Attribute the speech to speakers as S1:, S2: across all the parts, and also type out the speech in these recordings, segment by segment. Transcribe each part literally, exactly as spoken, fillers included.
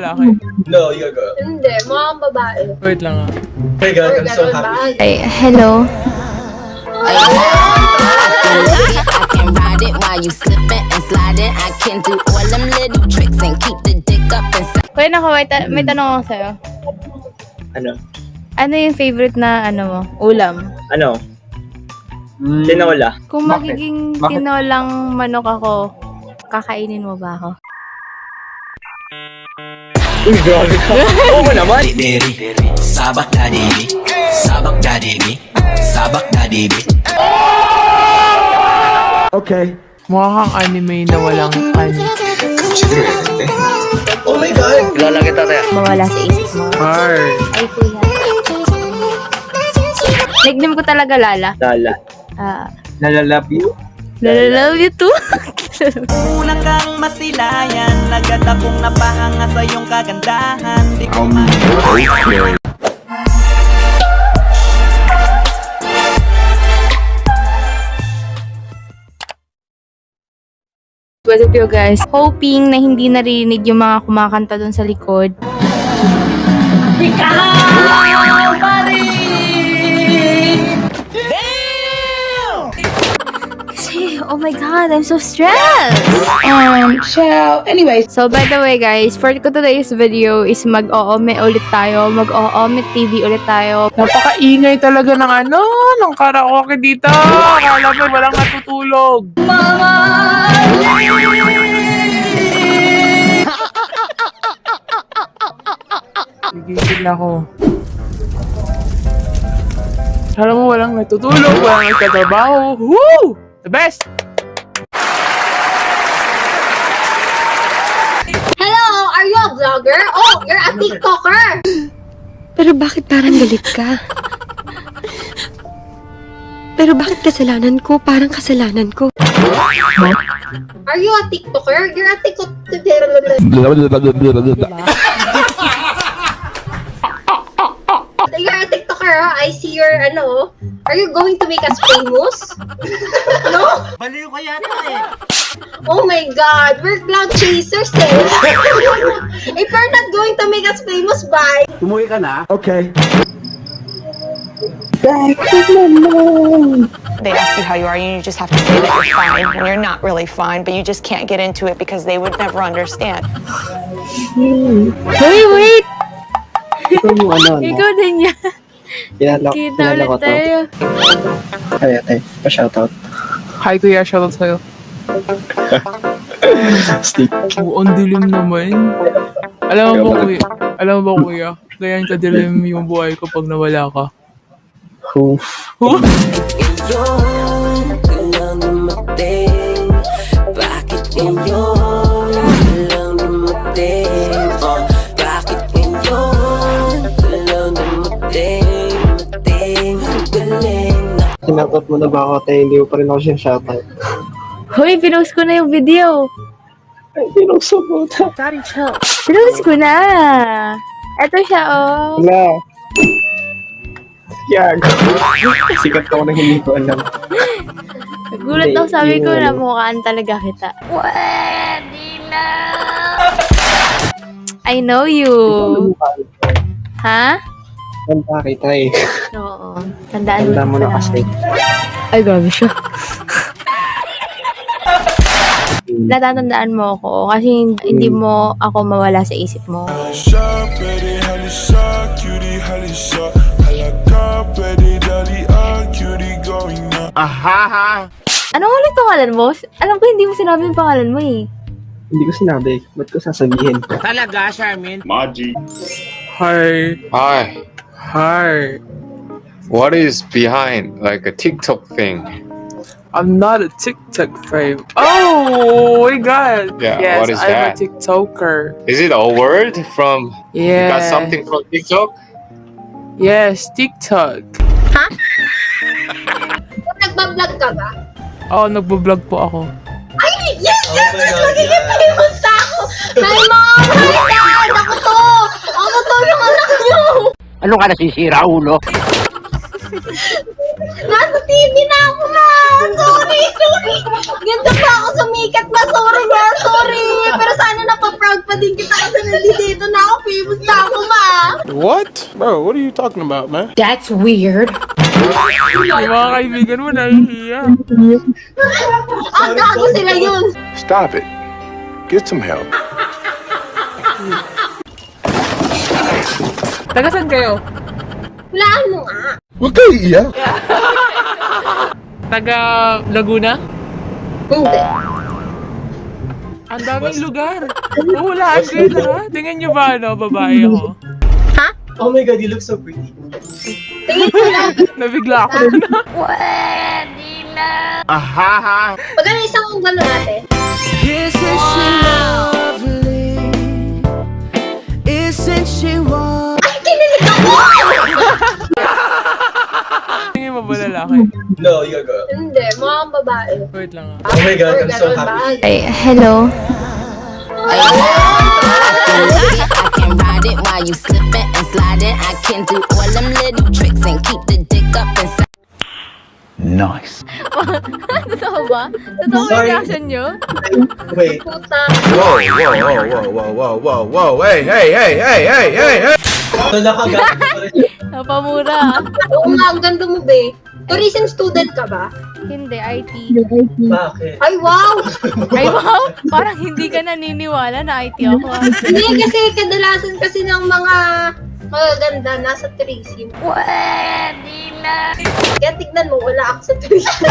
S1: lalaki?
S2: No, you're a girl.
S3: Hindi, mukhang babae.
S1: Wait lang ah.
S2: Oh my God, I'm so happy.
S4: Ay, hello.
S5: I can ride it while you slipping and sliding. I can do all them little tricks and keep the dick up inside.
S4: Kuya Nako, may, ta- may tanong ako sa'yo.
S2: Ano?
S4: Ano yung favorite na ano mo, ulam?
S2: Ano? Tinola.
S4: Kung
S6: Bakit?
S4: magiging
S6: Bakit?
S4: tinolang manok ako, kakainin mo ba ako?
S2: Uy, grabe ka. Oo naman.
S7: Diri, sabak na dibi, sabak na dibi, sabak na dibi.
S6: Okay.
S1: Mukha kang anime na walang ano.
S2: Oh my God. Kilala kita, Tea.
S4: Mawala sa isip mo.
S1: Hard.
S4: Ay, kuya. Nickname ko talaga Lala.
S2: Lala.
S4: Ah,
S6: Nalalove you?
S4: Lala love you too.
S8: Una kang masilayan, agad akong napahanga sa iyong kagandahan. Di ko ma-
S4: What's up yo guys? Hoping na hindi narinig yung mga kumakanta dun sa likod. Kasi, oh my god, I'm so stressed! Um, so, anyway. So, by the way guys, for today's video is mag-o-ome ulit tayo. Mag-o-ome T V ulit tayo.
S1: Napakaingay talaga ng ano, ng karaoke dito. Akala mo walang natutulog. Gigigil ako. Alam mo, walang natutulog, walang nagtatrabaho. Woo! The best!
S3: Hello, are you a vlogger? Oh, you're a TikToker!
S9: Pero bakit parang galit ka? Pero bakit kasalanan ko? Parang kasalanan ko.
S3: Are you a TikToker? You're a TikToker. You're a TikToker, huh? I see your, ano, are you going to make us famous? No?
S8: Baliw ka yata eh.
S3: Oh my God, we're cloud chasers eh. If you're not going to make us famous, bye.
S6: Umuwi ka na? Okay.
S10: They ask you how you are, and you just have to say that you're fine when you're not really fine, but you just can't get into it because they would never understand.
S4: Wait, wait!
S6: Ito yung ano, ano.
S4: Ikaw din yan.
S6: Kilala,
S4: Kita
S6: kilala
S4: ulit
S6: ko to.
S4: tayo.
S6: Ay, ate. Pa-shoutout.
S1: Hi kuya, shoutout sa'yo.
S6: Stick.
S1: Oo, ang dilim naman. Alam mo ba kuya, alam mo ba kuya, ganyan kadilim yung buhay ko pag nawala ka.
S6: Oof.
S1: Huh?
S5: Ngayon, kailang dumating. Bakit ngayon, kailang dumating? Oh, bakit ngayon, kailang dumating? Dumating, galing na.
S6: Sinoutout mo na ba ako, ate? Hindi ko pa rin ako siya shoutout.
S4: Hoy, pinost ko na yung video.
S6: Ay, pinusok mo ta.
S4: Pinost ko na. Eto siya, oh.
S6: Wala. Yago. Sikat ako na hindi ko alam.
S4: Gulat ako, sabi ko
S6: Yung-
S4: na mukhaan talaga kita. Pwede na. I know you. Ha?
S6: Tanda kita eh.
S4: Oo. Tandaan
S6: Tanda mo na
S4: pala.
S6: kasi.
S4: Ay, grabe siya. Natatandaan mo ako kasi hindi mo ako mawala sa isip mo.
S6: Aha!
S4: Ano ulit pangalan mo? Alam ko hindi mo sinabi yung pangalan mo eh.
S6: Hindi ko sinabi. Ba't ko sasabihin?
S8: Talaga, Charmin?
S1: Hi.
S11: Hi,
S1: Hi.
S11: what is behind like a TikTok thing?
S1: I'm not a TikTok fame. Oh my god.
S11: Yeah,
S1: yes,
S11: what is
S1: I'm
S11: that?
S1: a TikToker.
S11: Is it a word from? You got
S1: Yeah.
S11: something from TikTok?
S1: Yes, TikTok.
S3: Nagbablog ka ba?
S1: Oh, nagbo-vlog po ako.
S3: Ay, yes,
S2: Oh
S3: yes,
S2: my
S3: yes,
S2: God,
S3: magiging
S2: yeah.
S3: famous na ako. Hi, mom! Hi, dad! Ako to! Ako to yung anak nyo!
S8: Ano ka nasisira, ulo?
S3: Nasa T V na ako, ma! Sorry! sorry! Ganda pa ako sumikat na, sorry nga, sorry! Pero sana napaproud pa din kita kasi nandito na ako, famous na ako, ma!
S12: What? Bro, what are you talking about, man?
S5: That's weird.
S1: Yung mga kaibigan mo, nahihiya.
S3: Ah, gago sila yun!
S12: Stop it. Get some help.
S1: Taga saan kayo?
S3: Wala ano nga.
S12: Huwag kayo iiyak.
S1: Taga Laguna?
S3: Hindi.
S1: Ang daming lugar. Oo, lahat kayo lahat. Tingnan nyo ba, ano, babae ako?
S2: Oh my god, you look so pretty.
S3: Tingin ko lang.
S1: Nabigla ako na.
S3: Pwede na.
S12: Aha!
S3: Pag ano isang kong gano'n natin.
S8: Isn't she lovely? Isn't she warm?
S3: Ay, kinilig ako!
S1: Tingin mo ba lalaki?
S2: No, you go.
S3: Hindi, mukhang babae.
S1: Wait lang ah.
S2: Oh my god, I'm so
S3: Ganun ba?
S2: happy.
S4: Ay, hello.
S5: I can ride it while you slipping and sliding. I can do all them little tricks and keep the dick up inside.
S7: Nice.
S4: Totoo ba? Totoo ba
S2: Sorry.
S4: yung reaction nyo?
S2: Wait.
S3: Puta.
S12: Whoa, whoa, whoa, whoa, whoa, whoa, whoa, whoa, hey, hey, hey, hey, hey, hey, hey!
S2: So, nakagago.
S4: Napamura.
S3: Oo nga, ang ganda mo, be. Tourism student ka ba?
S4: Hindi, I T.
S2: Bakit?
S3: Ay, wow!
S4: Ay, wow! Parang hindi ka naniniwala na I T ako. ah.
S3: Hindi, kasi kadalasan kasi ng mga magaganda nasa tourism.
S4: Pwede na.
S3: Kaya tignan mo, wala ako sa tourism.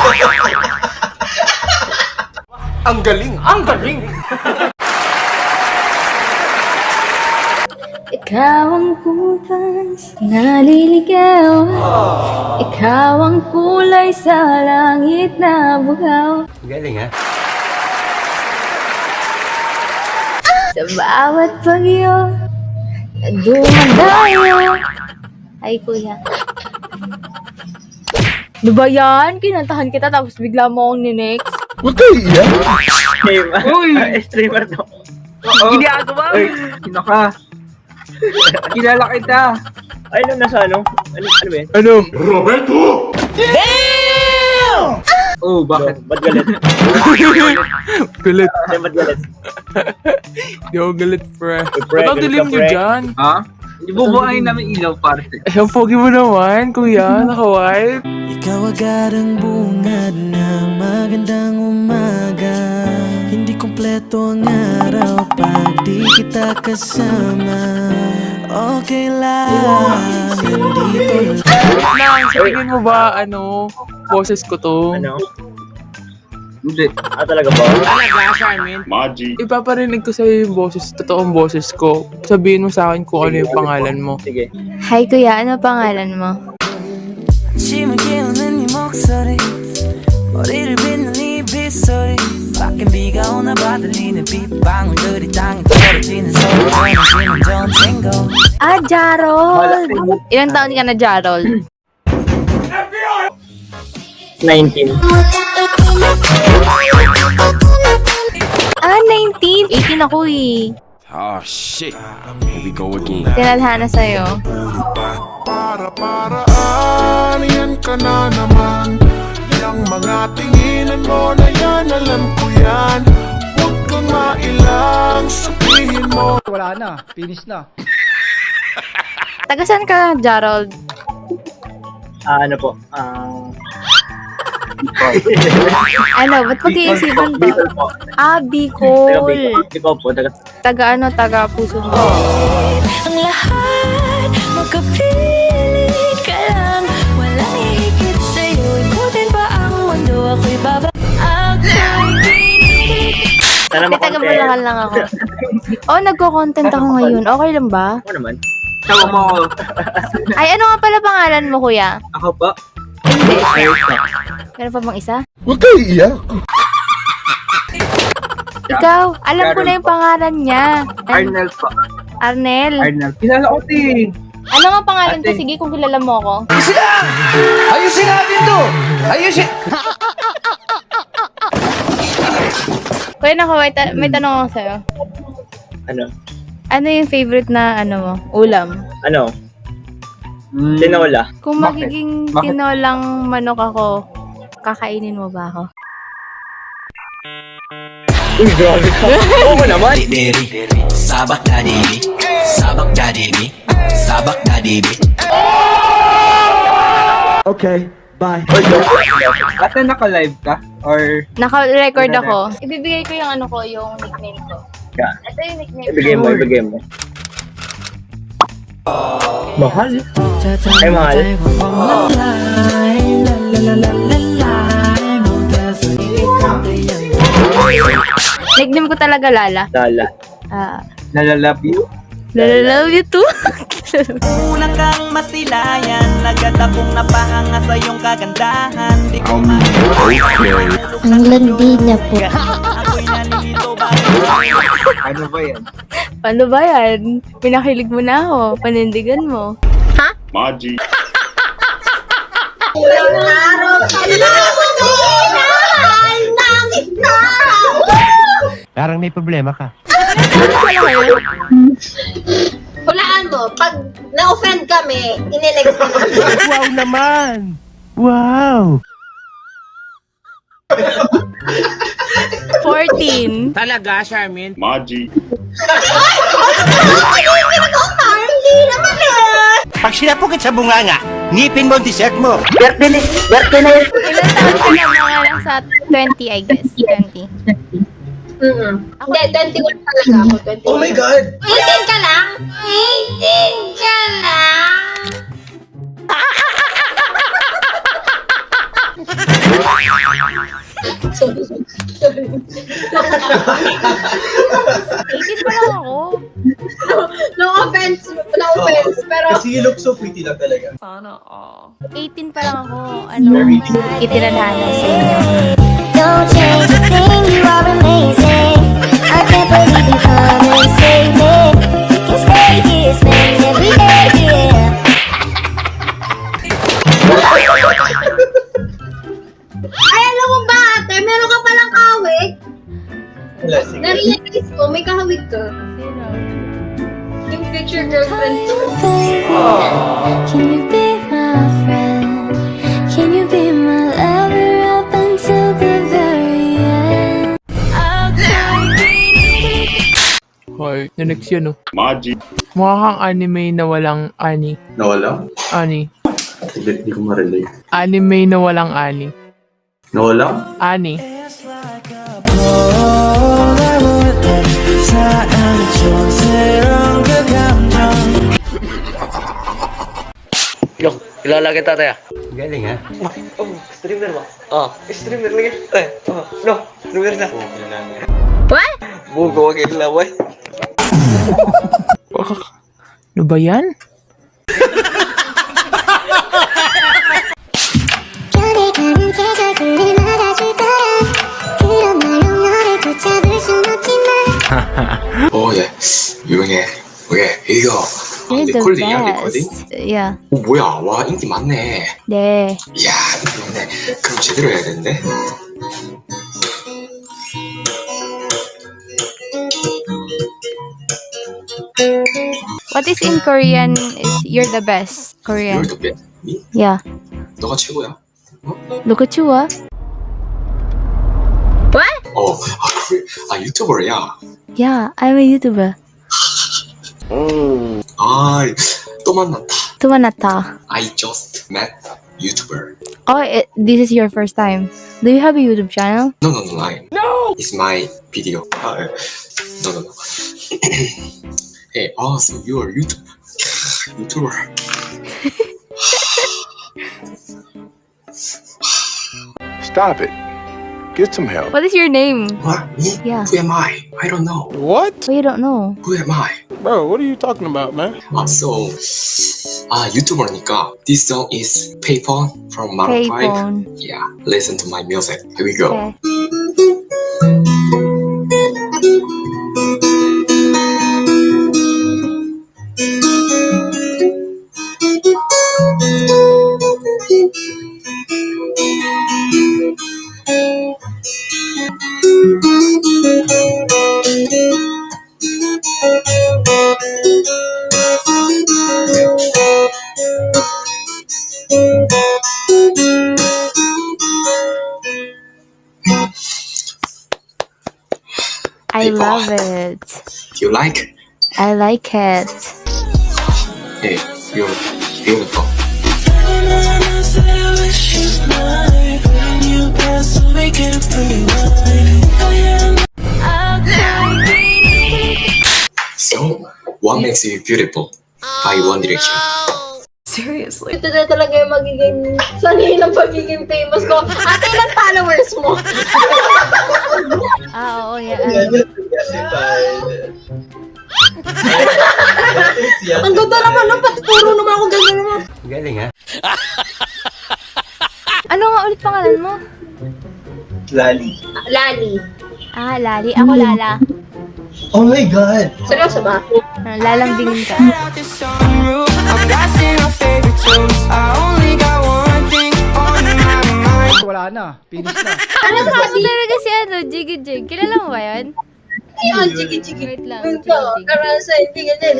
S12: Ang galing! Ang galing!
S4: Ikaw ang bukas, naliligaw. Ikaw ang kulay sa langit na bugaw.
S7: Galing ha?
S4: Sa bawat bagyo na dumadayo. Ay, kuya. Ano ba yan? Kinantahan kita tapos bigla mo akong ninext.
S12: Huwag kayo iiyak.
S2: Streamer. Uy! Streamer to. Ginagawa! Uy, sino ka? Kilala kita. Ay, ano nasa ano? Ano, ano ba yun?
S1: Ano?
S2: Oh, bakit? Ba't galit?
S1: Galit.
S2: Ay, ba't galit?
S1: Di ako galit, pre.
S2: pre,
S1: Ba't ang
S2: galit
S1: dilim
S2: ka,
S1: nyo
S2: pre.
S1: dyan?
S2: Ha? Ibubuhayin namin ilaw, parte.
S1: Eh, ang pogi mo naman, kuya. Naka-white.
S8: Ikaw agad ang bungad ng magandang umaga. Hindi kumpleto ang araw pag di kita kasama. Okay lang, nandito lang.
S1: Nang, sa tingin mo ba, ano, boses ko to?
S2: Ano?
S6: Hindi.
S2: Ah, talaga ba?
S11: Maji.
S1: Ipaparinig ko sa'yo yung boses, totoong boses ko. Sabihin mo sa akin kung ano yung pangalan mo.
S2: Sige.
S4: Hi, kuya. Ano pangalan mo?
S8: 아침을 깨우는 네 목소리 머리를 빗는 네 빗소리 밖엔 비가 오나 봐 들리는 빗방울들이 땅에 떨어지는 소리 전해지는 좋은 친구
S4: Ah, Jarol! Ilang taon ka na, Jarol?
S2: nineteen.
S4: Ah, nineteen? eighteen ako eh.
S7: Oh shit. Here we go again.
S4: Tinadhana sa'yo.
S12: Para paraan, yan ka na naman. Yang mga tinginan mo na yan, alam ko yan. Huwag kang mailang, sabihin mo.
S6: Wala na. Finish na.
S4: Taga saan ka, Jarol?
S2: Ah, ano po? Ah...
S4: Ano, ba't pag-iisipan to?
S2: Bicol po.
S4: Ah,
S2: Taga
S4: Bicol.
S2: Bicol. Bicol po. Taga...
S4: Taga ano, taga puso mo.
S8: ang lahat magkapiling ka lang walang hihigit sa'yo ikutin pa ang mundo ako'y baba ako'y kinig
S2: Sana
S4: Hindi, taga Bulacan lang ako. Oh, nagko-content ako ngayon. Okay lang ba?
S2: Ako naman. Tawa mo ako.
S4: Ay, ano nga pala pangalan mo, kuya?
S2: Ako po.
S4: Hindi.
S2: Ayos na.
S4: Meron pa bang isa?
S12: Huwag kayo iiyak.
S4: Ikaw, alam ko na yung pangalan niya.
S2: Arnel po.
S4: Arnel.
S2: Arnel. Kilala ko din.
S4: Ano nga pangalan ko? Sige, kung kilala mo ako.
S7: Ayusin natin to! Ayusin!
S4: Kuya, naka, may, ta- may tanong ako sa'yo.
S2: Ano?
S4: Ano yung favorite na, ano mo, ulam?
S2: Ano? Tinola.
S4: Kung magiging tinolang manok ako, kakainin mo ba ako?
S2: Uy, grabe ka. Oo naman.
S7: Diri, sabak daddy, sabak daddy, sabak daddy.
S2: Okay, bye. Ate, naka-live ka? Or...
S4: Naka-record ako. Ibibigay ko yung ano ko, yung nickname ko.
S2: Yeah.
S4: Ito yung nickname
S2: Ibigay mo,
S4: ko.
S2: ibigay mo. Mahal. Ay, mahal.
S4: Nickname ko talaga Lala.
S2: Lala.
S4: Ah,
S2: Nalalove you?
S4: Lala love you too.
S8: Una kang masilayan, agad akong napahanga sa iyong kagandahan. Di ko
S9: Ang landi na po.
S8: ako'y nalilito ba?
S2: Ano ba yan?
S4: Paano ba yan? Pinakilig mo na ako. Panindigan mo.
S12: Maji.
S3: Ilang araw ka na mahal ng isa!
S6: Parang may problema ka.
S3: Hulaan mo, pag na-offend kami, inilig mo.
S6: Wow naman! Wow!
S4: fourteen.
S6: Talaga, Charmin?
S12: Maji.
S3: Hindi naman eh!
S6: Pag sinapukit sa bunganga, ngipin mo ang dessert mo.
S4: Ilan taon ka na? Mga nasa twenty, I guess. twenty.
S3: Mm-mm. Hindi, twenty-one talaga ako. twenty-one.
S2: Oh my God!
S3: eighteen ka lang? eighteen ka lang? Sorry. Sorry.
S4: eighteen pa lang ako.
S3: No offense. No offense. Pero...
S2: Kasi you look so pretty lang talaga.
S4: eighteen pa lang ako. Ano, itinadhana sa inyo.
S9: Don't change a thing, you are amazing. I can't believe you come and save me. We can stay here, spend every day here.
S3: Ay, alam mo ba, ate? Meron ka palang kahawig?
S2: Wala, sige.
S3: Na-realize ko, may kahawig ka.
S4: Sino?
S3: Yung future girlfriend ko.
S9: Can you be my friend? Can you be my lover up until the very end?
S1: Hoy, na next yun, oh.
S12: Maji.
S1: Mukha kang anime na walang ani.
S11: Nawala?
S1: Ani.
S11: Hindi, hindi ko ma-relate.
S1: Anime na walang ani.
S11: Nawala?
S1: Ani.
S2: Yo, kilala kita tayo.
S6: Galing ha?
S2: Oh, streamer ba? Oh, streamer lagi. Eh, oh, no, streamer na.
S4: What?
S2: Bugo, wag yung laway.
S1: Ano ba yan?
S9: 별에 가는 계절들을 맞아줄 거야. 그런 말로 너를 붙잡을 순 없지만.
S11: 오, 예. 유명해. 오케이, 이거. 아,
S4: You're the
S11: 리콜딩이야, 리콜딩?
S4: best. Yeah.
S11: 오, 뭐야. 와, 인기 많네.
S4: 네.
S11: 이야, 인기 많네. 그럼 제대로 해야 되는데?
S4: What is in Korean is you're the best. Korean.
S11: You're the best. 미?
S4: Yeah.
S11: 너가 최고야.
S4: Look at you, ah. What?
S11: 어, 아, 그래. 아, 유튜버야.
S4: Yeah, I'm a YouTuber.
S11: 아, 또 만났다.
S4: Tumanata.
S11: I just met YouTuber.
S4: Oh, it, this is your first time. Do you have a YouTube channel?
S11: No, no, no, I. No! It's my video. 아, 예. no, no, no. Hey, oh, so you're YouTube. YouTuber.
S12: Stop it. Get some help.
S4: What is your name?
S11: What? Me?
S4: Yeah.
S11: Who am I? I don't know.
S12: What?
S4: Oh, you don't know.
S11: Who am I?
S12: Bro, what are you talking about, man?
S11: 아, so, 아, YouTuber니까 this song is Payphone from Maroon five.
S4: Payphone.
S11: Yeah, listen to my music. Here we go.
S4: Okay. I
S11: beautiful.
S4: love it.
S11: Do you like?
S4: I like it.
S11: Hey, you're beautiful. So, what makes you beautiful? By One Direction.
S3: Seriously? Ito na talaga yung magiging sanay ng pagiging famous ko. Ate, ilang followers mo?
S4: Ah, oo, yeah.
S3: Ang ganda naman, no? Pati puro naman ako ganda naman.
S6: Galing ha?
S4: Ano nga ulit pangalan mo?
S2: Lali.
S3: Lali.
S4: Ah, Lali. Ako Lala.
S2: Oh my God!
S3: Seryoso ba?
S4: Ah, lalambingin ka.
S2: Wala na. Finish na.
S3: Ano
S4: Ano
S3: kasi?
S4: talaga si ano, Jiggy Jig? Kilala mo ba yun?
S3: Yun, chiki-chiki.
S4: Wait lang,
S3: Ito,
S4: chiki-chiki.
S3: karasa, hindi ganyan.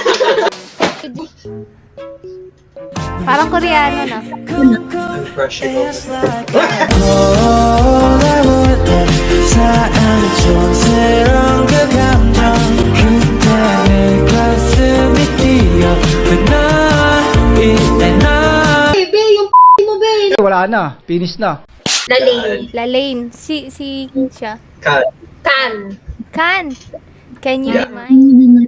S4: Parang Koreano na.
S2: Crush it over.
S3: Bebe, yung mo, be.
S2: Wala na. Finish na.
S3: Lalaine.
S4: Lalaine. Si, si, siya.
S2: Cut.
S3: Kan.
S4: Kan. Can you be mine?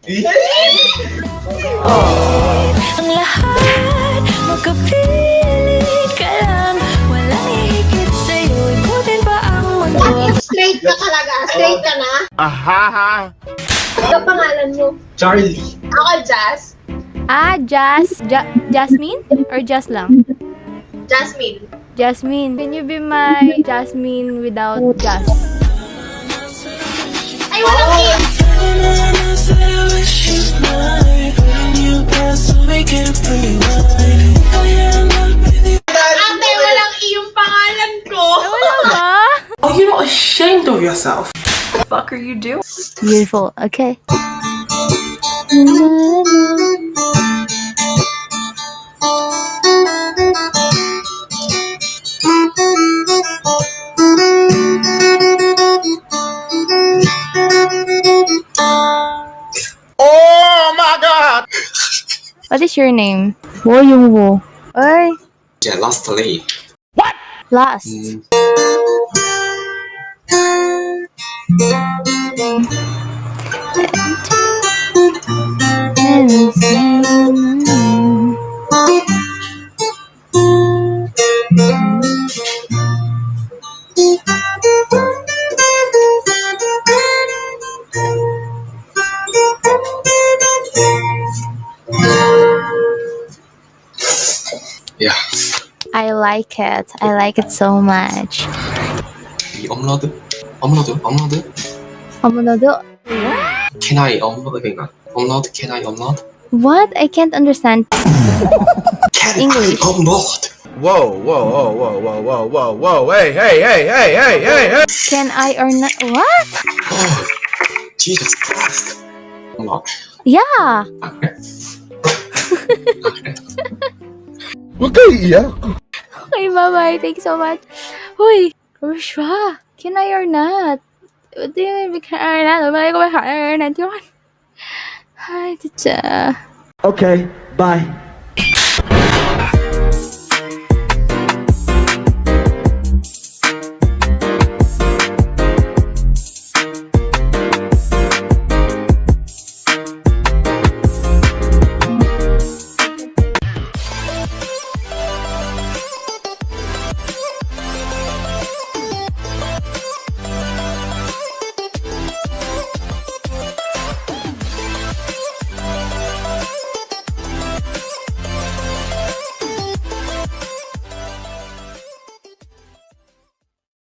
S8: Ang lahat, magkapiling ka lang. Walang hihigit sa'yo, ikutin pa ang mundo.
S3: Straight ka talaga. Straight ka na.
S6: Ahaha!
S3: Ano pangalan mo?
S2: Charlie.
S3: Ako, Jazz.
S4: Ah, Jas. Ja Jasmine? Or Jas lang?
S3: Jasmine.
S4: Jasmine. Can you be my Jasmine without Jas?
S3: Ay, walang i. Ate, walang i yung pangalan ko.
S4: Wala ba?
S8: Oh, you're not ashamed of yourself. What the fuck are you doing?
S4: Beautiful. Okay.
S6: Oh my God!
S4: What is your name? Wo Yung Wo. Oy,
S11: Yeah, lastly.
S4: last.
S11: Mm, yeah.
S4: I like it. I like it so much.
S11: 이 업로드? 업로드? 업로드?
S4: 어머나도.
S11: Can I upload? 그러니까 upload? Can I upload?
S4: What? I can't understand.
S11: Can
S4: English.
S11: I upload?
S6: Whoa, whoa, whoa, whoa, whoa, whoa, whoa, whoa, hey, hey, hey, hey, hey, hey, hey!
S4: Can I or not? What?
S11: Oh, Jesus Christ. upload.
S4: Yeah.
S11: 아, 그래? 아, 그래?
S6: Huwag kayo iyak.
S4: Okay, bye-bye. Thanks so much. Huy, Rushwa, can I or not? What do you mean we can or not? Malay ko ba or not yun? Ay, tita.
S2: Okay, bye.